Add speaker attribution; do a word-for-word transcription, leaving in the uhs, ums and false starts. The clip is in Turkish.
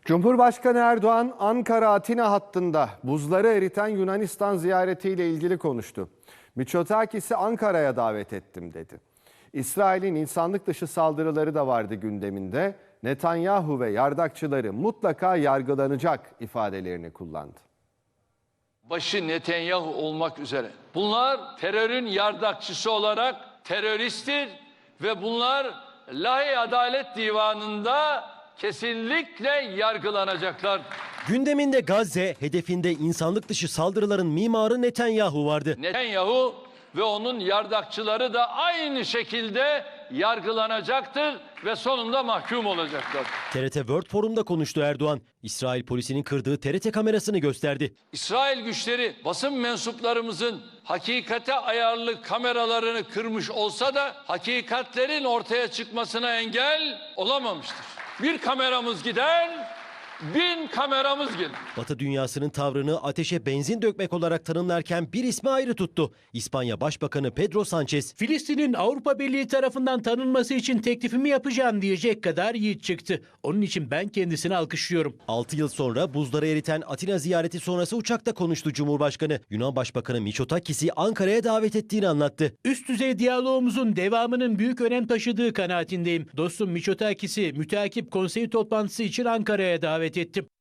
Speaker 1: Cumhurbaşkanı Erdoğan, Ankara-Atina hattında buzları eriten Yunanistan ziyaretiyle ilgili konuştu. Mitsotakis'i Ankara'ya davet ettim dedi. İsrail'in insanlık dışı saldırıları da vardı gündeminde. Netanyahu ve yardakçıları mutlaka yargılanacak ifadelerini kullandı.
Speaker 2: Başı Netanyahu olmak üzere. Bunlar terörün yardakçısı olarak teröristtir ve bunlar Lahey Adalet Divanı'nda kesinlikle yargılanacaklar.
Speaker 3: Gündeminde Gazze, hedefinde insanlık dışı saldırıların mimarı Netanyahu vardı.
Speaker 2: Netanyahu ve onun yardakçıları da aynı şekilde yargılanacaktır ve sonunda mahkum olacaklar.
Speaker 3: T R T World Forum'da konuştu Erdoğan. İsrail polisinin kırdığı T R T kamerasını gösterdi.
Speaker 2: İsrail güçleri basın mensuplarımızın hakikate ayarlı kameralarını kırmış olsa da hakikatlerin ortaya çıkmasına engel olamamıştır. Bir kameramız gider, bin kameramız gelir.
Speaker 3: Batı dünyasının tavrını ateşe benzin dökmek olarak tanımlarken bir ismi ayrı tuttu. İspanya Başbakanı Pedro Sánchez.
Speaker 4: Filistin'in Avrupa Birliği tarafından tanınması için teklifimi yapacağım diyecek kadar yiğit çıktı. Onun için ben kendisini alkışlıyorum.
Speaker 3: altı yıl sonra buzları eriten Atina ziyareti sonrası uçakta konuştu Cumhurbaşkanı. Yunan Başbakanı Mitsotakis'i Ankara'ya davet ettiğini anlattı.
Speaker 4: Üst düzey diyalogumuzun devamının büyük önem taşıdığı kanaatindeyim. Dostum Mitsotakis'i müteakip konsey toplantısı için Ankara'ya davet ettim.